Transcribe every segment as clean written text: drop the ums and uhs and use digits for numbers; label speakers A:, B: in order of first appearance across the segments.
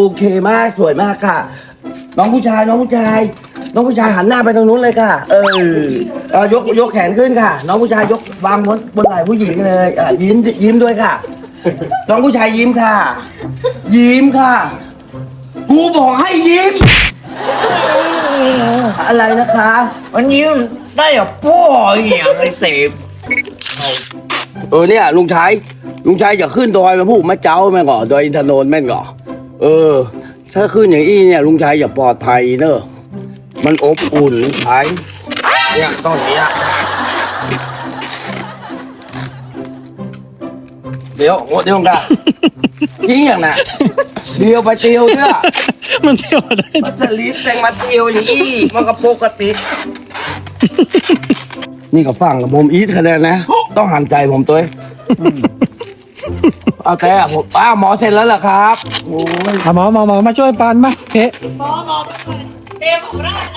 A: เคมากสวยมากค่ะ น้องผู้ชายหันหน้าไปทางนู้นเลยค่ะยกแขนขึ้นค่ะ น้องผู้ชายยกวางบนไหล่ผู้หญิงเลยยิ้มด้วยค่ะ น้องผู้ชายยิ้มค่ะ ยิ้มค่ะกูบอกให้ยิ้มอะไรนะคะมันยิ้มได้อะพ่ออย่างไอ้เสพเนี่ยลุงชายอย่าขึ้นดอยมาพูดมาเจ้าแม่งก่อดอยอินทนนท์แม่งก่อถ้าขึ้นอย่างอี้เนี่ยลุงชายอย่าปลอดภัยเนอะมันอบอุ่นลุงชายเนี่ยต้องอย่างนี้อะเดี๋ยวกันทิ้งอย่างน่ะเดียวไปเตียวเถอะ
B: มันเที่ยวได้
A: มันจะลิ้นแต่งมาเตียวอย่างอี้มันก็ปกตินี่ก็ฟังกับผมอีทคะแนนนะต้องหันใจผมตัวเอาแต่ผมหมอเสร็จแล้วเหรอครับโอ้ย
B: หมอมาช่วยปันมาเทะ
C: หมอเตะของเรานะ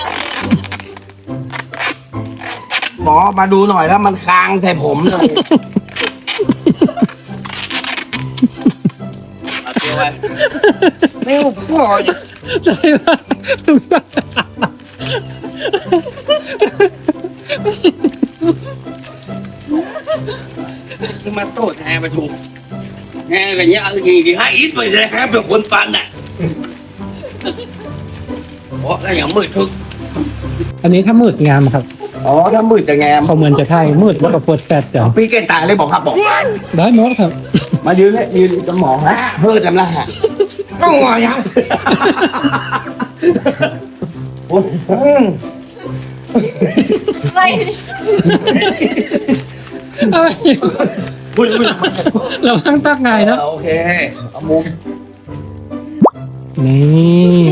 A: หมอมาดูหน่อยแล้วมันคางใส่ผมเลยไม่พอมาโต้แทนมาถูกแง่กันเนี้ยอะไรกี่ให้อิทไปเลยครับเป็นคนปันน่ะเพราะก็อย่างมืดทึก
B: อันนี้ถ้ามืดงามครับ
A: ถ้ามืดจะแงม
B: เขาเหมือนจะไทยมืดแล้วก็ปวดแปดจ้ะ
A: พี่เก่งตายเลยบอกครับบอก
B: ได้หมดครับ
A: มายืนสมองฮะเพื่อจำละฮะต้องงอยัง
C: ไม่
B: เราตั้งตักไงเนาะ
A: โอเคเอามุม
B: นี่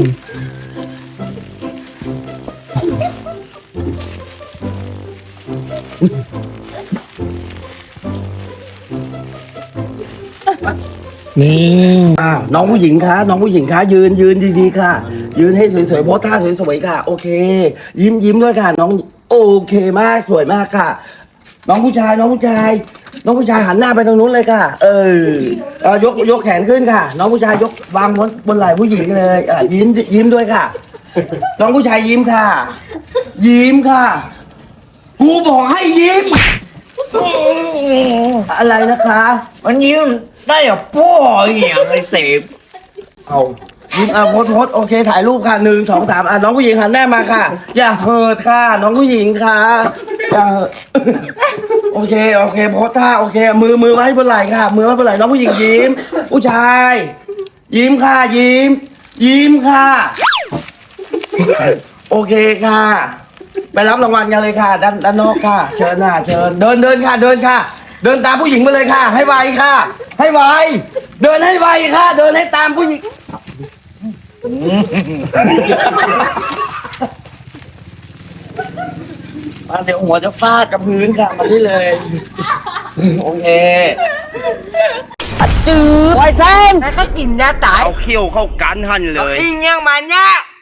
A: น้องผู้หญิงคะยืนดีๆค่ะยืนให้สวยๆโพสท่าสวยๆค่ะโอเคยิ้มด้วยค่ะน้องโอเคมากสวยมากค่ะน้องผู้ชายหันหน้าไปทางนู้นเลยค่ะยกแขนขึ้นค่ะน้องผู้ชายยกวางบนไหล่ผู้หญิงเลยยิ้มด้วยค่ะน้องผู้ชายยิ้มค่ะกูบอกให้ยิ้มอะไรนะคะมันยิ้มได้อะพ่ออย่างไอ้เสพเอายิ้มโพสโอเคถ่ายรูปค่ะ1 2 3น้องผู้หญิงหันหน้ามาค่ะอย่าเหิดค่ะน้องผู้หญิงค่ะอย่าโอเคโพสท่าโอเคมือไว้บนไหล่ค่ะมือไว้บนไหล่น้องผู้หญิงยิ้มผู้ชายยิ้มค่ะยิ้มค่ะโอเคค่ะไปรับรางวัลกันเลยค่ะด้านนอกค่ะเชิญเดินค่ะเดินตามผู้หญิงมาเลยค่ะให้ไวค่ะให้ไวเดินให้ไวค่ะเดินให้ตามผู้หญิงมาเดี๋ยวหัวจะฟาดกับพื้นค่ะมาที่เลยโอเคจืดไวเซนแล้วก็กินยาตายเอาเขี้ยวเข้ากันหันเลยอิงยังมันเนี่ย